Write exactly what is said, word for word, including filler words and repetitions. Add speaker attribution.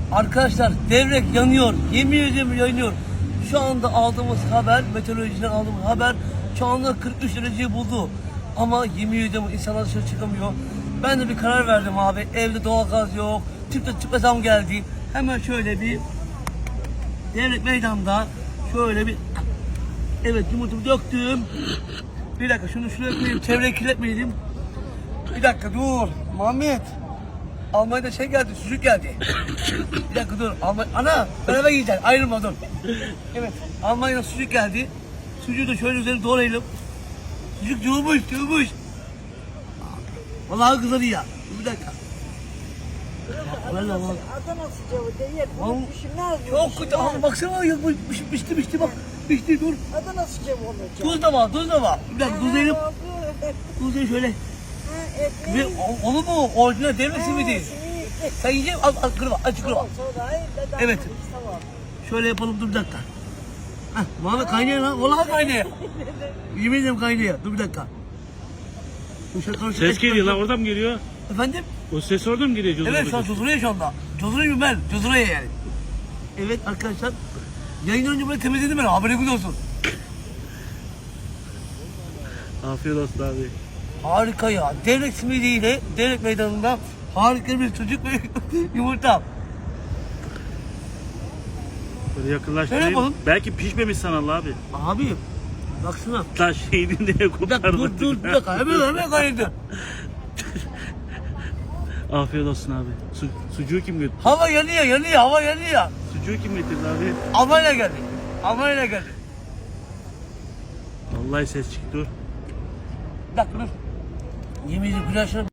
Speaker 1: Arkadaşlar devrek yanıyor. Yemin ediyorum yanıyor. Şu anda aldığımız haber, meteorolojiden aldığımız haber şu anda kırk üç dereceyi buldu. Ama yemin ediyorum insanlar dışarı çıkamıyor. Ben de bir karar verdim abi. Evde doğalgaz yok. Tüple tüple zam geldi. Hemen şöyle bir Devrek meydanda şöyle bir evet yumurtamı döktüm. Bir dakika şunu şuraya koyayım. Çevreyi kirletmeyelim. Bir dakika dur. Muhammed. Almanya'da şey geldi, sucuk geldi. Bir dakika dur. Almanya... Ana, beraber yiyeceğiz. Ayrılma dur. Evet, Almanya'da sucuk geldi. Sucuğu da şöyle üzerine doğrayalım. Sucuk yoğurmuş, yoğurmuş. Vallahi kızarı ya. Bir dakika.
Speaker 2: Adana, Adana sıcavı değil. Bunu düşünmez mi?
Speaker 1: Çok kötü ama baksana ya bu pişti pişti bak. Pişti dur.
Speaker 2: Adana sıcavı olacak.
Speaker 1: Tuz da var, tuz da var. Bir dakika tuzlayalım.
Speaker 2: Ha,
Speaker 1: Tuzlayalım şöyle.
Speaker 2: ekmeği-
Speaker 1: Ve o- olur mu? Orijinal devlet simidi. Sen yiyeceksin, al, al kırma, aç kırma.
Speaker 2: Tamam, sonra, hayır, ben
Speaker 1: Evet.
Speaker 2: Tamam.
Speaker 1: Şöyle yapalım, dur bir dakika. Heh, Muhammed kaynıyor lan, vallahi kaynıyor. Yemin ederim kaynıyor, dur bir dakika. Dur şöyle karışık-
Speaker 3: Ses geliyor lan, oradan mı geliyor?
Speaker 1: Efendim?
Speaker 3: O ses oradan mı geliyor? Cozur'a
Speaker 1: Evet, şu an
Speaker 3: bakıyorsun.
Speaker 1: cozuruyor şu anda. Cozuruyor mu ben? Cozuruyor yani. Evet arkadaşlar, yayın önce böyle temizledim ben, haberiniz olsun.
Speaker 3: Afiyet olsun abi.
Speaker 1: Harika ya, devlet simidiyle, devlet meydanında harika bir çocuk ve yumurta.
Speaker 3: Böyle
Speaker 1: Şöyle
Speaker 3: yakınlaştırayım.
Speaker 1: yapalım.
Speaker 3: Belki pişmemiş sanal abi.
Speaker 1: Abi, baksana.
Speaker 3: Lan şeyini neye
Speaker 1: Bir dakika,
Speaker 3: kopardık?
Speaker 1: dur dur, bir dakika, hemen hemen kaydı.
Speaker 3: Afiyet olsun abi. Su, sucuğu kim götürdü?
Speaker 1: Hava yanıyor, yanıyor, hava yanıyor.
Speaker 3: Sucuğu kim getirdi abi?
Speaker 1: Almanya geldi. Almanya geldi.
Speaker 3: Vallahi ses çıktı.
Speaker 1: Bir dakika dur. Yemin ediyorum güzel şuna